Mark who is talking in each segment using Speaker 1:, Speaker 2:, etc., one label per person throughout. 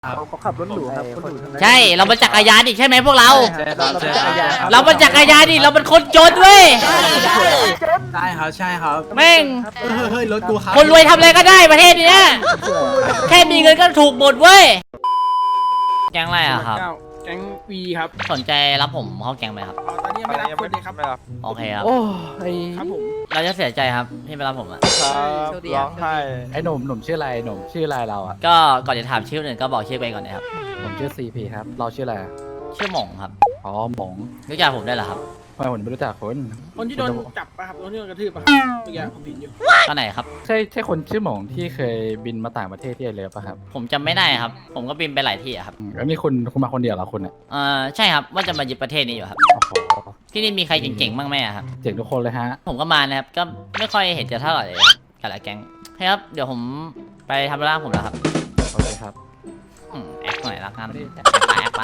Speaker 1: เขาขับรถหรูครับคนหรูทั้งนั้น
Speaker 2: ใช่เราเป็นจักรยานดิใช่ไหมพวกเรา
Speaker 1: เราเป็นจักรยานครับ
Speaker 2: เราเป็นคนจนเว้ย
Speaker 3: ได้ครับใช่ครับ
Speaker 2: แม่ง
Speaker 3: เฮ้ยรถกูครับ
Speaker 2: คนรวยทำอะไรก็ได้ประเทศนี้นะแค่มีเงินก็ถูกหมดเว้ยแก๊งอะไรอะครับ
Speaker 4: แก๊งวีครับ
Speaker 2: สนใจรับผมเข้าแก๊งไหมครับ
Speaker 4: ตอนนี้ยังไม่รับคนเลยครับ
Speaker 2: โอเคครับ
Speaker 1: โอ้ย
Speaker 4: ครับผม
Speaker 2: เราจะเสียใจครับที่ไม่รับผมอะ
Speaker 1: ครับร้องไห้
Speaker 5: ไอ้หนุ่มชื่ออะไรหนุ่มชื่ออะไรเราอ่ะ
Speaker 2: ก็ก่อนจะถามชื่อคนอื่นก็บอกชื่อไปก่อนนะครับ
Speaker 5: ผมชื่อซีพีครับเราชื่ออะไรอะ
Speaker 2: ชื่อหม่งครับ
Speaker 5: อ๋อหมง
Speaker 2: รู้จักผมได้เหรอครับ
Speaker 5: ทำไมผมไม่รู้จักคน
Speaker 4: คนที่โดนจับปะครับโดนที่โดนกระทืบปะเมื่อกี้ผมผิดอยู่
Speaker 2: ก็ไหนครับ
Speaker 5: ใช่คนชื่อหมงที่เคยบินมาต่างประเทศที่ไอเลิฟป่ะครับ
Speaker 2: ผมจำไม่ได้ครับ ผมก็บินไปหลายที่อะครับ
Speaker 5: แล้วนี่คุณมาคนเดียวเหรอคุณอ่ะ
Speaker 2: ใช่ครับว่าจะมายึดประเทศนี้อยู่ครับ
Speaker 5: โอ้โห
Speaker 2: ที่นี่มีใครเก่งๆบ้างไหมอะครับ
Speaker 5: เจ๋งทุกคนเลยฮะ
Speaker 2: ผมก็มานะครับ ก็ไม่ค่อยเห็นจะเท่าไหร่เลยครับกับหลายแก๊งใช่ครับ เดี๋ยวผมไปทำธุระผมแล้วครับ
Speaker 5: โอเคครับ
Speaker 2: แอคหน่อยละกันแอคปะ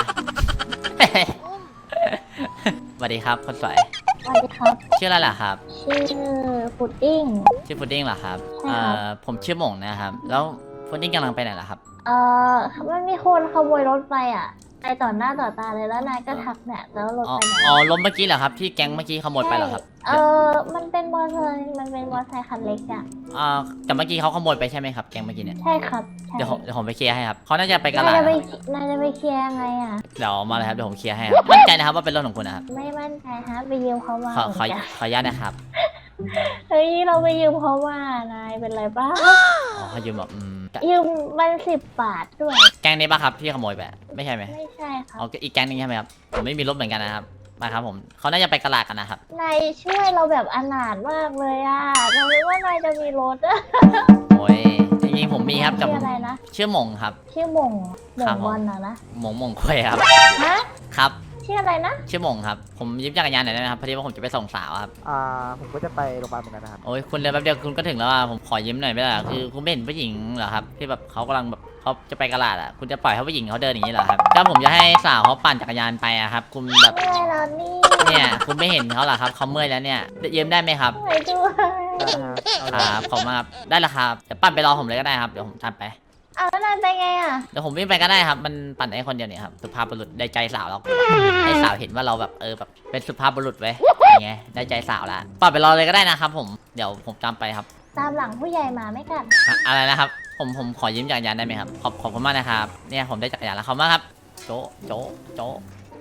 Speaker 2: สวัสดีครับคนสวย
Speaker 6: สวัสดีครับ
Speaker 2: ชื่ออะไรล่ะครับ
Speaker 6: ชื่อพุดดิ้ง
Speaker 2: ชื่อพุดดิ้งเหรอครับ
Speaker 6: ใช่ครับ
Speaker 2: ผมชื่อหม่งนะครับ แล้วพุดดิ้งกำลังไปไหนล่ะครับ
Speaker 6: มันมีคนขโมยรถไปอ่ะไปต่อหน้าต่อตาเลยแล้วนายก็ทักเนี่ยแล้วรถ
Speaker 2: อ๋อ
Speaker 6: ไปไหน
Speaker 2: อ๋อล้มเมื่อกี้เหรอครับที่แก๊งเมื่อกี้ขโมยไปเหรอครับ
Speaker 6: มันเป็นมอเตอร์ไซค์คันเล็กอ่ะ
Speaker 2: แต่เมื่อกี้เขาขโมยไปใช่ไหมครับแก๊งเมื่อกี้เนี่ย
Speaker 6: ใช่ครับใช่
Speaker 2: เดี๋ยวผมไปเคลียร์ให้ครับเขาน่าจะไปกะ
Speaker 6: นา
Speaker 2: ลาย
Speaker 6: จะ
Speaker 2: ด
Speaker 6: ไป
Speaker 2: ครับ
Speaker 6: นายจะไปเคลียร์ยังไงอ่ะ
Speaker 2: เดี๋ยวมาเลยครับเดี๋ยวผมเคลียร์ให้ครับมั่นใจนะครับว่าเป็นรถของคุณนะครับ
Speaker 6: ไม่มั่นใจฮะไปยืมเขามา
Speaker 2: ขอ
Speaker 6: เหมือนกัน
Speaker 2: อนุญาตนะครับ
Speaker 6: เฮ้ยเราไปยืมเขามานายเป็นไรบ้าง
Speaker 2: อ๋อเขายืมแบบ
Speaker 6: ยืมมัน10 บาทด้วย
Speaker 2: แก๊งนี้ป่ะครับที่ขโมยไปไม่ใช่ไหม
Speaker 6: ไม่ใช่ครับ
Speaker 2: อ๋ออีกแก๊งนึงใช่ไหมครับผมไม่มีรถเหมือนกันนะครับมาครับผมเขาน่าจะไปกะลาดกันนะครับ
Speaker 6: นายช่วยเราแบบอนาถมากเลยอ่ะเราไม่ว่านายจะมีรถอะ
Speaker 2: โอ้ยจริงๆผมมีครับแต่
Speaker 6: ชื่
Speaker 2: ผ
Speaker 6: อ
Speaker 2: ม
Speaker 6: อะไรนะ
Speaker 2: ชื่อหม่งครับ
Speaker 6: ชื่อหม่ง
Speaker 2: ครับผม
Speaker 6: บอลนะ
Speaker 2: หม่งควยครับ
Speaker 6: ฮะ
Speaker 2: ครับ
Speaker 6: ชื่ออะไรนะ
Speaker 2: ชื่อหม่งครับผมยืมจักรยานหน่อยได้ไหมครับพอดีว่าผมจะไปส่งสาวครับ
Speaker 1: ผมก็จะไปโรงพยาบาลเหมือนกันนะครับ
Speaker 2: โอ้ยคุณเดินแป๊บเดียวคุณก็ถึงแล้วอ่ะผมขอยืมหน่อยไม่ได้เหรอคือคุณไม่เห็นผู้หญิงเหรอครับที่แบบเขากำลังแบบเขาจะไปกะลาดอ่ะคุณจะปล่อยให้ผู้หญิงเขาเดินอย่างนี้เหรอครับก็ผมจะให้สาวเขาปั่นจักรยานไปอะครับคุณแบบ
Speaker 6: เมื่อยแล้วนี่
Speaker 2: เนี่ยคุณไม่เห็นเขาเหรอครับเขาเมื่อยแล้วเนี่ยยืมได้ไหมครับ
Speaker 6: เมื่อยด้วย
Speaker 2: ครับขอบคุณมากครับได้ละครับเดี๋ยวปั่นไปรอผมเลยก็ได้ครับเดี๋ยวผมตามไป
Speaker 6: อ้าวแล้วนายไปไงอ่ะ
Speaker 2: เดี๋ยวผมวิ่งไปก็ได้ครับมันปั่นได้คนเดียวเนี่ยครับสุภาพบุรุษได้ใจสาวแล้วให้สาวเห็นว่าเราแบบแบบเป็นสุภาพบุรุษไว้ยอย่างเงี้ยได้ใจสาวละปั่นไปรอเลยก็ได้นะครับผมเดี๋ยวผมตามไปครับ
Speaker 6: ตามหลังผู้ใหญ่มาไม่กัด
Speaker 2: อะไรนะครับผมขอยืมจักรยานได้ไหมครับขอบคุณมากนะครับเนี่ยผมได้จักรยานแล้วขอบคุณมากครับโจะโจะโจะ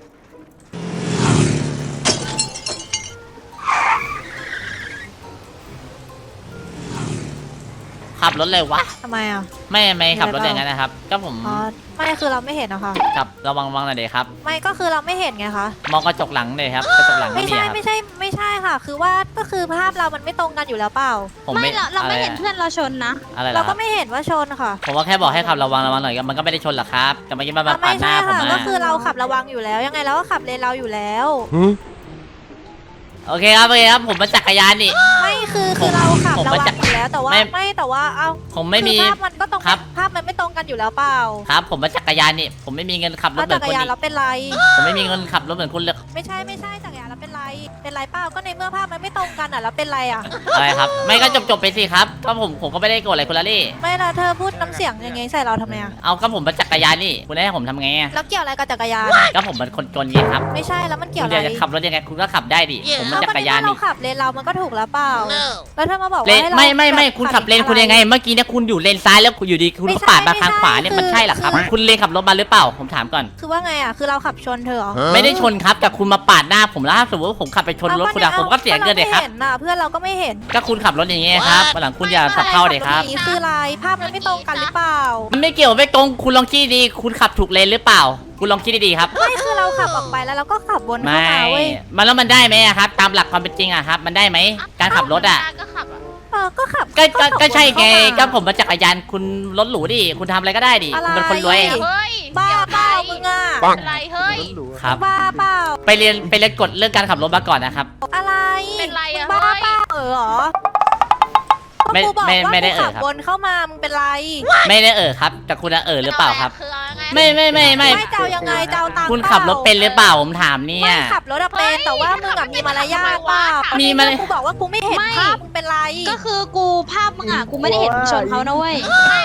Speaker 2: ขับรถเลยวะ
Speaker 7: ทำไมอ่ะ
Speaker 2: ไม่ขับรถอย่างนั้นนะครับ ก็ผม
Speaker 7: อ๋อ ไม่คือเราไม่เห็นอะค่ะ
Speaker 2: ขับระวังหน่อยเดี๋ยวครับ
Speaker 7: ไม่ก็คือเราไม่เห็นไงคะ
Speaker 2: มองกระจกหลังเลยครับกระจกหลัง
Speaker 7: ไม่
Speaker 2: ไม่มี
Speaker 7: ใช่
Speaker 2: ครับ
Speaker 7: ไม่ใช่ค่ะ คือว่าก็คือภาพเรามันไม่ตรงกันอยู่แล้วเปล่า
Speaker 2: ผม
Speaker 8: ไม่เราไม่
Speaker 2: อะ
Speaker 8: เห็นเพื่อนเราชนนะ
Speaker 2: อะไร
Speaker 7: เรา
Speaker 2: ล่ะค
Speaker 7: ก็
Speaker 2: รับ
Speaker 7: ไม่เห็นว่าชนค่ะ
Speaker 2: ผมว่าแค่บอกให้ขับระวังหน่อยมันก็ไม่ได้ชนหรอกครับแต่เมื่อกี้มันมาปา
Speaker 7: ไม่
Speaker 2: ดหน้า
Speaker 7: ใช่
Speaker 2: ผม
Speaker 7: ค่ะ
Speaker 2: มา
Speaker 7: ก็คือเราขับระวังอยู่แล้ว ยังไงเราก็ขับเลนเราอยู่แล้ว
Speaker 2: โอเคครับผมมาจักรยานนี่
Speaker 7: ไม่คือเราขับ
Speaker 2: ผม
Speaker 7: ระ
Speaker 2: มา
Speaker 7: วั
Speaker 2: จาก
Speaker 7: งอยู่แล้วแต่ว่า
Speaker 2: ไม่
Speaker 7: ไม่แต่ว่าเอา
Speaker 2: ผมไม่มี
Speaker 7: คือภาพมันก็ตรง
Speaker 2: ครับ
Speaker 7: ภาพมันไม่ตรงกันอยู่แล้วเปล่า
Speaker 2: ครับ ผมมาจักรยานนี่ผมไม่มีเงินขับรถ
Speaker 7: แล้ว
Speaker 2: เหมื
Speaker 7: จั
Speaker 2: อน
Speaker 7: กร
Speaker 2: คุณ
Speaker 7: ยาน
Speaker 2: นี่
Speaker 7: เราเป็นไร
Speaker 2: ผมไม่มีเงินขับรถเหมือนคุณเลย
Speaker 7: ไม่ใช่จักรยานเราเป็นไรเปล่าก็ในเมื่อภาพมันไม่ตรงกันอ่ะเราเป็นไรอ่ะ
Speaker 2: อะไรครับ ไม่ก็จบไปสิครับก็ผมก็ไม่ได้โกรธอะไรคุณละลี่
Speaker 7: ไม่ละเธอพูดน้ำเสียงอย่างงี้ใส่เราทำไมอ่ะ
Speaker 2: เอาก็ผมมาจักรยานนี่คุณให้ผมทำไงอะ
Speaker 7: แล้วเกี่ยวอะไรกับจักรยาน
Speaker 2: ก็ผมเป็นคนจนไงครับ
Speaker 7: ไม่ใช่แล้วมันเกี่ยว
Speaker 2: คุณ
Speaker 7: อะไร
Speaker 2: อยากจะขับรถยังไงคุณก็ขับได้ดิผมมาจักรยาน
Speaker 7: เรา
Speaker 2: นี่
Speaker 7: ขับเลนเรามันก็ถูกแล้วเปล่า แล้วเธอมาบอก
Speaker 2: เล
Speaker 7: ว่าน ให้เรา
Speaker 2: ไม่คุณขับเลนคุณยังไง เมื่อกี้เนี่ยคุณอยู่เลนซ้ายแล้วคุณอยู่ดีคุณก็ปาดมาทางขวาเนี่ยมันใช่เหรอครับ คุณเลนขับรถมาหรือเปล่าผมถามก่อน
Speaker 7: คือว่าไงอ่ะ คือเราขับชนเธอเหรอ
Speaker 2: ไม่ได้ชนครับแต่คุณมาปาดหน้าผมแล้วถ้าสมมติว่าผมขับไปชนรถคุณอะผมก็เสียเงินเลยครับ
Speaker 7: เห็นน่ะเพื่อนเราก็ไม่เห็น
Speaker 2: ก็คุณขับรถอย่างเงี้ยครับวันหลังคุณอย่าสับเข้าเด็ครับ
Speaker 7: นี่คืออะไรภาพมันไม่ตรงกันหรือเปล่า
Speaker 2: มันไม่เกี่ยวไม่ตรงคุณลองคิดดีๆคุณขับถูกเลนหรือเปล่า คุณลองคิดดีๆครับ
Speaker 7: ไม่คือเราขับออกไปแล้วเราก็ขับวนเข้า
Speaker 2: ไม่
Speaker 7: มาเว้ย
Speaker 2: มันแล้วมันได้ไหมอะครับ ตามหลักความเป็นจริงอะครับ มันได้ไหมการขับรถอะ
Speaker 8: ก็ขับอ่ะ
Speaker 7: ก็ขับ
Speaker 2: ก็ใช่ไง
Speaker 7: เข้า
Speaker 2: ก็ผมมาจักรยานคุณรถหรูดิคุณทำอะไรก็ได้ดิ
Speaker 7: อะไร
Speaker 2: คุณเป็นคนรวย
Speaker 8: เฮ้ย
Speaker 7: บ้า
Speaker 8: เดี๋ยว
Speaker 7: เปล่ามึงอ่ะ
Speaker 8: อะไรเฮ้ย
Speaker 1: รถหรู
Speaker 2: ครับ
Speaker 7: บ้าเปล่า
Speaker 2: ไปเรียนกฎเรื่องการขับรถมาก่อนนะครับ
Speaker 7: อะไร
Speaker 8: เป็นไรอะ
Speaker 7: บ้า
Speaker 8: เฮ้ย
Speaker 7: เปล่าเหรอ
Speaker 2: ไม่
Speaker 7: กูบอก
Speaker 2: ไม่
Speaker 7: ว่า
Speaker 2: ไม่ได้
Speaker 7: กูขับ
Speaker 2: ครับ
Speaker 7: วนเข้ามามึงเป็นไร
Speaker 2: ไม่ได้ครับแต่คุณอะหรือเปล่าครับ
Speaker 8: คือเอาไง
Speaker 2: ไม่
Speaker 7: ไม่จะเอายังไงจะเอาตังค์
Speaker 2: คุณขับรถเป็นหรือเปล่าผมถามเนี่ย
Speaker 7: ไม่ขับรถอะเป็นแต่ว่ามึงอะมีมารยาทเปล่า
Speaker 2: มี
Speaker 7: มี
Speaker 2: มาร
Speaker 7: กูบอกว่ากูไม่เห็นภาพมึงเป็นไร
Speaker 8: ก็คือกูภาพมึงอ่ะกูไม่ได้เห็นมึงชนเขานะเว้ย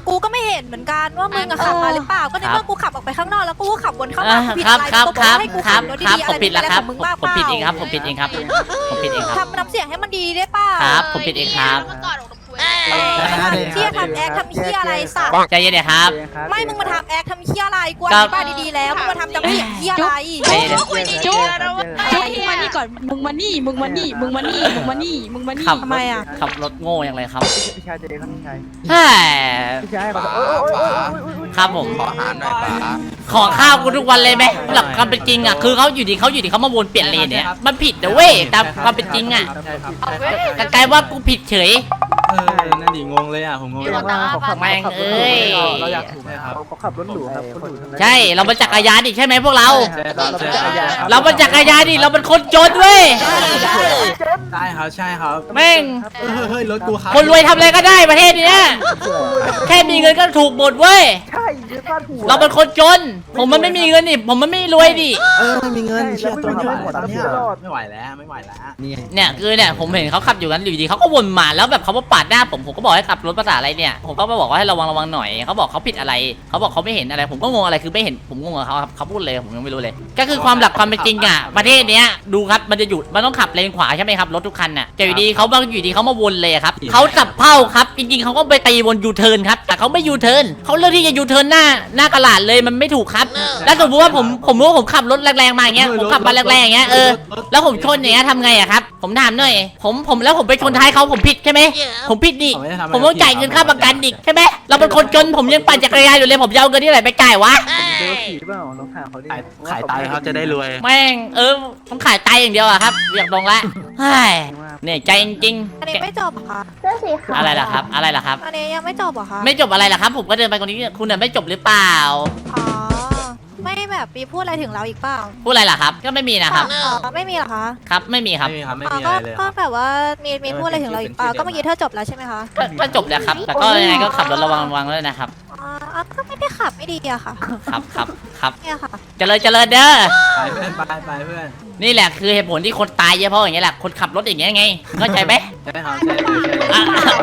Speaker 7: กูก็ไม่เห็นเหมือนกันว่ามึงอะขับมาหรือเปล่าก็ในเมื่อกูขับออกไปข้างนอกแล้วกูก็ขับวนเข้ามากูผิด
Speaker 2: ครับ
Speaker 7: อะไร
Speaker 2: ครับ
Speaker 7: กู
Speaker 2: ครับ
Speaker 7: ให้กู
Speaker 2: ครั
Speaker 7: ขั
Speaker 2: บบ
Speaker 7: รถ
Speaker 2: ครับ
Speaker 7: ดีๆ
Speaker 2: ผมผิดแล้วครับ
Speaker 7: มึงบ้า
Speaker 2: ผมผิดเองครับผมผิดเองครับผมผิดเองครับ
Speaker 7: ทำน้ำเสียงให้มันดีได้เปล่า
Speaker 2: ครับผมผิดเองครับ
Speaker 8: เมื่อก่อนของคุย
Speaker 7: เที่ยทำแอคทำเที่ยอะไรสัตว์
Speaker 2: ใจเย็นเลยครับ
Speaker 7: ไม่มึงมาทำแอคทำเที่ยอะไรกูอธิบายดีๆแล้วมึงมาทำจำเสียงเที่ยอะไร
Speaker 2: ใจเย็น
Speaker 8: คุยดี
Speaker 6: จุ๊บ
Speaker 8: แล้วว่า
Speaker 6: จุ๊บมานี่ก่อนมึงมานี่มึงมานี่มึงมานี่มึงมานี่มึงมานี่
Speaker 2: ขับ
Speaker 7: ทำไมอะ
Speaker 2: ขับรถโง่อย่างไรครับ
Speaker 1: พี่ชายเจครับพี่ชาย
Speaker 2: แฮ่
Speaker 1: พี่ชายขอโทษโอ้ย
Speaker 2: ครับผม
Speaker 9: ขออาหารหน่อยป๋า
Speaker 2: ขอข้าวกูทุกวันเลยไหมหลักความเป็นจริงอ่ะคือเขาอยู่ดีเขามาวนเปลี่ยนเลนเนี่ยมันผิดนะเว้ยตามความเป็นจริงอ่ะ
Speaker 3: ใช่ครับ
Speaker 2: แต่กลายว่ากูผิดเฉย
Speaker 3: นั่นดิงงเลยอ่ะผมงง
Speaker 2: แม่งเอ้ย
Speaker 3: เราอยากถูกไหมครับ
Speaker 1: เขาขับรถหรูครับคนหรู
Speaker 2: ใช่เราเป็นจักรยานดิใช่ไหมพวกเรา
Speaker 3: ใช่ครับใช่ครับ
Speaker 2: เราเป็นจักรยานดิเราเป็นคนจนเว้ย
Speaker 3: ได้ครับใช่ครับ
Speaker 2: แม่ง
Speaker 3: เฮ้ยรถกูครับ
Speaker 2: คนรวยทำอะไรก็ได้ประเทศเนี้ยแค่มีเงินก็ถูกหมดเว้ย
Speaker 1: ใช่ยืนบ้านหัว
Speaker 2: เราเป็นคนจน ผมมันไม่มีเงินนี่ผมมันไม่รวยดิ
Speaker 3: ไม่มีเงินเชื่อตัว
Speaker 1: ไม่
Speaker 3: ไม่
Speaker 1: ไห
Speaker 3: ไห
Speaker 1: ว
Speaker 3: ว
Speaker 1: ตอน
Speaker 3: เนี่
Speaker 1: นี้
Speaker 3: ย
Speaker 1: รอด
Speaker 3: ไม่ไหวแล้วไม่ไหวแล้วนี่
Speaker 2: เนี่ยคือเนี่ยผมเห็นเขาขับอยู่กันอยู่ดีเขาก็วนมาแล้วแบบเขามาปาดหน้าผมก็บอกให้ขับรถภาษาอะไรเนี่ยผมก็มาบอกว่าให้ระวังหน่อยเขาบอกเขาผิดอะไรเขาบอกเขาไม่เห็นอะไรผมก็งงอะไรคือไม่เห็นผมงงกับเขาครับเขาพูดเลยผมยังไม่รู้เลย ก็คือความหลักความเป็นจริงอ่ะประเทศเนี้ยดูครับมันจะหยุดมันต้องขับเลนขวาใช่ไหมครับรถทุกคันน่ะแต่อยู่ดีเขาอยู่ดีเขามาวนเลยครับเขาจับเป้าครับจริงๆเขาก็ไปตีวนยูเทิร์นครับแต่เขาไม่ยูเทิร์นเขาเลือกที่จะยูเทิร์นหน้ากระดาษเลยมันไม่ถูกครับแล้วสมมติว่าผมรู้ว่าผมขับรถแรงๆมาอย่างเงี้ยผมขับมาแรงๆอย่างเงี้ยแล้วผมชนอย่างเงี้ยทำไงอะครับผมถามหน่อยผมแล้วผมไปชนท้ายเขาผมผิดใช่ไหมผมผิดดิผมต้องจ่ายเงินค่าประกันอีกใช่ไหมเราเป็นคนจนผมยังปั่นจักรยานอยู่เลยผมจะเอาเงินที่ไหนไปจ่ายวะ
Speaker 1: เจอผีเปล่าน้องถามเขาดิ
Speaker 9: ขายตายเขาจะได้รวย
Speaker 2: แม่งต้องขายไตอย่างเดียวอะครับอยากลงละเฮ้ยเนี่ยใจจริง
Speaker 7: อันนี้ไม่จบเหรอคะ
Speaker 6: เสื้อสีขาว
Speaker 2: อะไรล่ะครับอะไรล่ะครับ
Speaker 7: อันนี้ยังไม่จบเหรอคะ
Speaker 2: ไม่จบอะไรล่ะครับ ผมก็เดินไปตรงนี้คุณน่ะไม่จบหรือเปล่า
Speaker 7: อ๋อไม่แบบมีพูดอะไรถึงเราอีกเปล่า
Speaker 2: พูดอะไรล่ะครับ ก็ไม่มีนะครับ
Speaker 7: อ๋อไม่มีเหรอคะ
Speaker 2: ครับไม่มีครับ
Speaker 3: ไม่มีครับไม่
Speaker 7: อ๋อ
Speaker 3: มีอะไรเลย
Speaker 7: ก็แบบว่ามีพูดอะไรถึงเราอีกเปล่าก็เมื่อกี้เธอจบแล้วใช่ไหมคะ
Speaker 2: ก็จบแล้วครับ แต่ก็ยังไงก็ขับรถระวังด้วยนะครับ
Speaker 7: อ๋อก็ไม่ได้ขับไม่ดีอะค่ะ
Speaker 2: ครับ
Speaker 7: เนี่ยค่ะ
Speaker 2: เจริญเด้อ
Speaker 3: ไปเพื่อนไปเพื่อน
Speaker 2: นี่แหละคือเหตุผลที่คนตายเยอะเพราะอย่างเงี้ยแหละคนขับรถอย่างเงี้ยไงเข้าใจไหม
Speaker 3: ใช่ครับใช่ใช่
Speaker 2: อ่ะ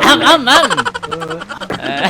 Speaker 2: เออ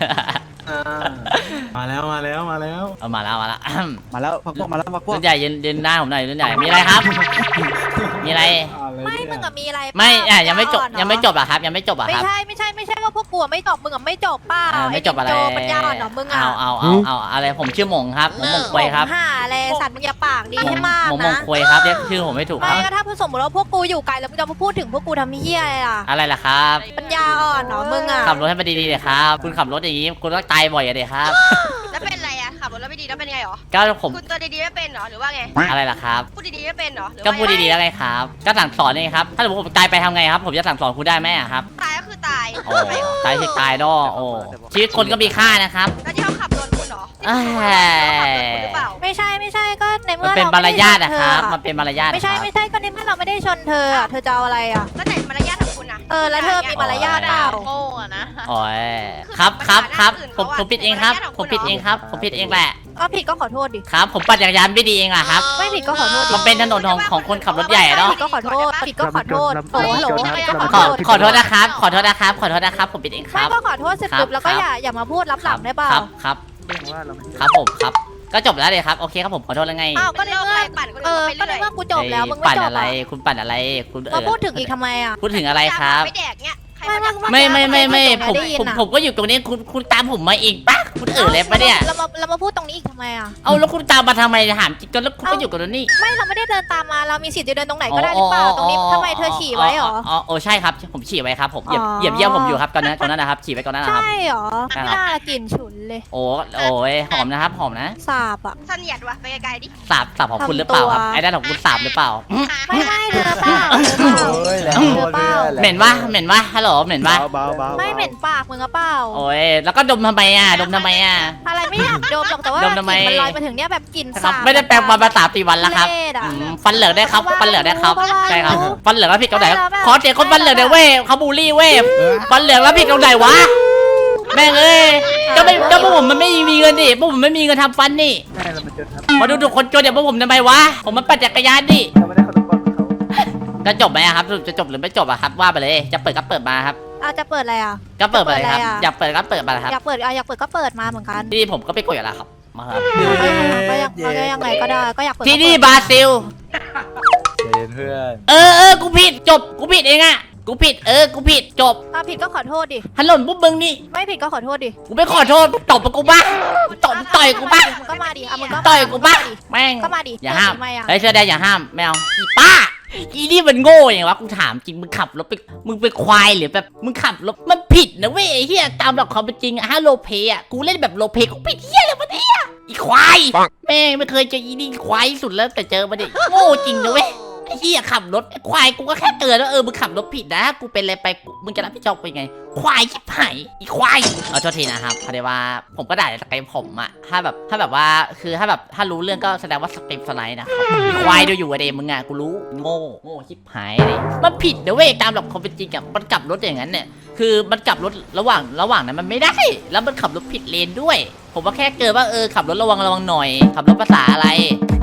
Speaker 3: มาแล้วมาแล้วมาแล้ว
Speaker 2: เอามาแล้ว
Speaker 9: มาแล้วพักพวกมาแล้วพักพวก
Speaker 2: รุ่นใหญ่ยืนหน้าผมหน่อยรุ่นใหญ่มีอะไรครับ มีอะไร
Speaker 7: ไม่มึงอะมีอะไรเปล่า
Speaker 2: ไม่ยังไม่จบ
Speaker 7: อ่อนเหรอ
Speaker 2: ยังไม่จบอะครับยังไม่จบอะ
Speaker 7: ไม่
Speaker 2: ครับ
Speaker 7: ใช่ว่าพวกกูอะไม่จบมึงอะไม่จบเปล่า
Speaker 2: ไม่จบอะไร
Speaker 7: โจปัญญาอ่อนเหรอมึงอะ
Speaker 2: เอาอะไรผมชื่อหมงครับหมงควยครับ
Speaker 7: หาอะไรสัตว์มึงอย่าปากดีให้มาก
Speaker 2: หมง
Speaker 7: นะ
Speaker 2: ควยครับเรียกชื่อผมไม่ถูกค
Speaker 7: ไม่
Speaker 2: รับ
Speaker 7: ก็ถ้าสมมติว่าพวกกูอยู่ไกลแล้วมึงจะมาพูดถึงพวกกูทำเหี้ยอะไรล่ะ
Speaker 2: อะไรล่ะครับ
Speaker 7: ปัญญาอ่อนเหรอมึงอะ
Speaker 2: ขับรถให้มันดีๆเลยครับคุณขับรถอย่างนี้คุณก็ตายบ่อยอะเด็ครับ
Speaker 8: แล้วเป็นไรอะขับรถแล้วไม่ดีแล้วเป็นไงหรอ
Speaker 2: ก็ผม
Speaker 8: คุณตัวดีๆไม่เป็นหรอหรือว่าไง
Speaker 2: อะไรล่ะครับ
Speaker 8: พูดดีๆไม่เป็นหรอหรือ
Speaker 2: ก็
Speaker 8: ว่า
Speaker 2: พูดดีๆแล้วไงครับ ก็สั่งสอนนี่ครับ ถ้าสมมติผมตายไปทำไงครับ ผมจะสั่งสอนคุณได้ไหมอะครับ
Speaker 8: ตายก็คือตาย
Speaker 2: โอ้ตายที่ตายดอโอ้ชีวิตคนก็มีค่านะครับ
Speaker 8: แล้วที่เขาขับโดนคุณหรอ
Speaker 2: เอ้ย
Speaker 8: หรือเปล่า
Speaker 7: ไม่ใช่ก็ใน
Speaker 2: มั
Speaker 7: เมื่
Speaker 2: น
Speaker 7: อ
Speaker 2: เป็น
Speaker 7: เรา
Speaker 2: มาร
Speaker 7: ไม่ได้
Speaker 2: ยาท
Speaker 7: ชน
Speaker 2: อะ
Speaker 7: เธ
Speaker 2: ค
Speaker 7: อ
Speaker 2: รับ
Speaker 7: อะ
Speaker 2: มันเป็นมารยาท
Speaker 7: ไม่ใช่ก็ในเมื่อเราไม่ได้ชนเธออะเธอจะเอาอะไรอะ
Speaker 8: แล้วไหนมารยาทของคุณอะ
Speaker 7: แล้วเธอมีมารยาทเปล่า
Speaker 8: โง่อะนะ
Speaker 2: โอ้ยครับผมผิดเองครับผมผิดเองครับผมผิดเองแหละ
Speaker 7: ก็ผิดก็ขอโทษดิ
Speaker 2: ครับ ผมปั่นจักรยานไม่ดีเองอะครับ
Speaker 7: ไม่ผิดก็ขอโทษดิ
Speaker 2: มันเป็นถนนของคนขับรถใหญ่อะเนาะ
Speaker 7: ผิดก็ขอโทษผิดก็ขอโทษโอ้โห
Speaker 2: ขอโทษนะครับขอโทษนะครับผมผิดเองค
Speaker 7: ไม่
Speaker 2: รับ
Speaker 7: ก็ขอโทษเสร็จปุ๊บแล้วก็อย่ามาพูดรับหลังได้เปล่า
Speaker 2: ครับ
Speaker 1: เรื่องว่าเราไม่
Speaker 2: ครับผมครับก็จบแล้วเลยครับโอเคครับผมขอโทษแล้วไง
Speaker 7: อ้าวก็ในเมื่อ
Speaker 8: ปั่นคน
Speaker 7: เอ
Speaker 8: อื่น
Speaker 7: อ
Speaker 8: ไป
Speaker 7: ก็ใน
Speaker 8: เรื่อย
Speaker 7: เมื่อกูจบแล้วมึงไม่
Speaker 2: ปั่น
Speaker 7: จบ
Speaker 2: อะไร
Speaker 7: อ่ะ
Speaker 2: คุณปั่นอะไรคุณ
Speaker 7: มาพูดถึงอีกทำไมอ่ะ
Speaker 2: พูดถึงอะไรครับ
Speaker 8: ไม่แดกเนี้ยใคร
Speaker 7: ไม่
Speaker 8: มา
Speaker 7: ไม่
Speaker 2: ไม่ผมก็อยู่ตรงนี้คุณตามผมมาอีกปะคุณเลยปะเนี่ย
Speaker 7: เรามาพูดตรงนี้อีกทำไมอ่ะ
Speaker 2: เอาแล้วคุณตามมาทำไมถามจริงจนแล้วคุณก็อยู่กับนี่
Speaker 7: ไม่เราไม่ได้เดินตามมาเรามีสิทธิ์จะเดินตรงไหนก็ได้หรือเปล่าตรงนี้ทำไมเธอฉี่ไว้หรอ
Speaker 2: โอ้ใช่ครับผมฉี่ไว้ครับผมเหยียบเยี่ยมผมอยู่ครับตอนนั้นนะครับฉี่ไว้ก่อนนั้นนะครับ
Speaker 7: ใช่หรอไม่น่าละกลิ่นฉุนเลย
Speaker 2: โอ้ยหอมนะครับหอมนะ
Speaker 7: สาบอ่ะ
Speaker 8: เสนียดว่ะไปไกลๆดิ
Speaker 2: สาบของคุณหรือเปล่าครับไอ้ด้านของคุณสาบหรือเปล่า
Speaker 7: ไม่เธอเปล่า
Speaker 1: โอ้ยแล้ว
Speaker 2: เหม็นวะฮัลโหลเหม็นวะ
Speaker 1: เบา
Speaker 7: ไม่เหม็นปากมึงอะเปล่า
Speaker 2: โอ้ยแล้วก็ดมทำไมอ่ะ
Speaker 7: อะไรไม่อยากดมหรอกแต่ว่ากลิ่นมันลอยมาถึงเนี่ยแบบกลิ่น
Speaker 2: ครั
Speaker 7: สา
Speaker 2: บบ ไม่ได้แปลงมา3-4 วันแล้วครับ
Speaker 7: เละอะ
Speaker 2: ฟันเหลืองได้ครับฟันเหลืองได้ครับ
Speaker 7: ก็ว่า
Speaker 2: ใช่ครับ
Speaker 7: อยู่
Speaker 2: ฟันเหลืองแล้วผิดตรงไหน
Speaker 7: ไม่แล้วแบบ
Speaker 2: ขอเสียงคนฟันเหลืองหน่อยเว้ยเขาบูลลี่เว้ยฟันเหลืองแล้วผิดตรงไหนวะแม่งเอ้ยก็พวกผมมันไม่มีเงินดิพวกผมไม่มีเงินทำฟันนี่
Speaker 1: ใช่เรามาเจอครับ
Speaker 2: มาดูทุกคนจนเดี๋ยวพวกผมทำไมวะผมมันปั่นจักรยานดิ
Speaker 1: เราไม่ได้ขนมปังเขา
Speaker 2: จะจบไหมอะครับจะจบหรือไม่จบอะครับว่าไปเลยจะเปิดก็เปิดมาครับ
Speaker 7: จะเปิดอะไรอ่ะ
Speaker 2: ก็เปิดไปเลยครับ
Speaker 7: เปิดอะไรอะ
Speaker 2: อยากเปิดก็เปิดไปเลยครับ
Speaker 7: อยากเปิดก็เปิดมาเหมือนกัน
Speaker 2: ที่ผมก็ไปกดอยู่แล้วครับมาครับ
Speaker 7: ก็ยังไงก็ได้ก็อยากเปิด
Speaker 2: ที่นี่บราซิล
Speaker 5: เย็นเพื่อน
Speaker 2: กูผิดจบกูผิดเองอะกูผิดกูผิดจบ
Speaker 7: ผิดก็ขอโทษดิ
Speaker 2: ฮัลโหลพวกมึงนี่
Speaker 7: ไม่ผิดก็ขอโทษดิ
Speaker 2: กูไม่ขอโทษตบกูบ้าต่อยกูบ้า
Speaker 7: มึงก็มาดิมึงก็
Speaker 2: ต่อยกูบ้าแม่ง
Speaker 7: ก็มาดิ
Speaker 2: อย่าห้าม
Speaker 7: ทำไมอ่ะ
Speaker 2: เฮ้ยเสื้อแดงอย่าห้ามไม่เอาอีป้าอีนี่มันโง่อย่างวะกูถามจริงมึงขับรถไปมึงเป็นควายหรือแบบมึงขับรถมันผิดนะเว้ยไอ้เหี้ยตามหลักความเป็นจริงอะโลเพอะกูเล่นแบบโลเพกูผิดเหี้ยอะไรวะเนี่ยอีควายแม่งไม่เคยเจออีนี่ควายที่สุดแล้วแต่เจอมาดิโง่จริงนะเว้ยไอ้เหี้ยขับรถไอ้ควายกูก็แค่เตือนว่ามึงขับรถผิดนะกูเป็นอะไรไปมึงจะรับผิดชอบเป็นไงควายชิบหายอีควายเอาโทษทีนะครับพอดีว่าผมก็ด่าในสเกมผมอะถ้าแบบว่าคือถ้ารู้เรื่องก็แสดงว่าสเกมสไลด์นะครับอีควายดูอยู่อะเดมึงอะกูรู้โง่ชิบหายเลยมันผิดนะเว้ยตามหลักความเป็นจริงอะมันกลับรถอย่างนั้นเนี่ยคือมันกลับรถระหว่างนั้นมันไม่ได้แล้วมันขับรถผิดเลนด้วยผมว่าแค่เกิดว่าขับรถระวังหน่อยขับรถภาษาอะไร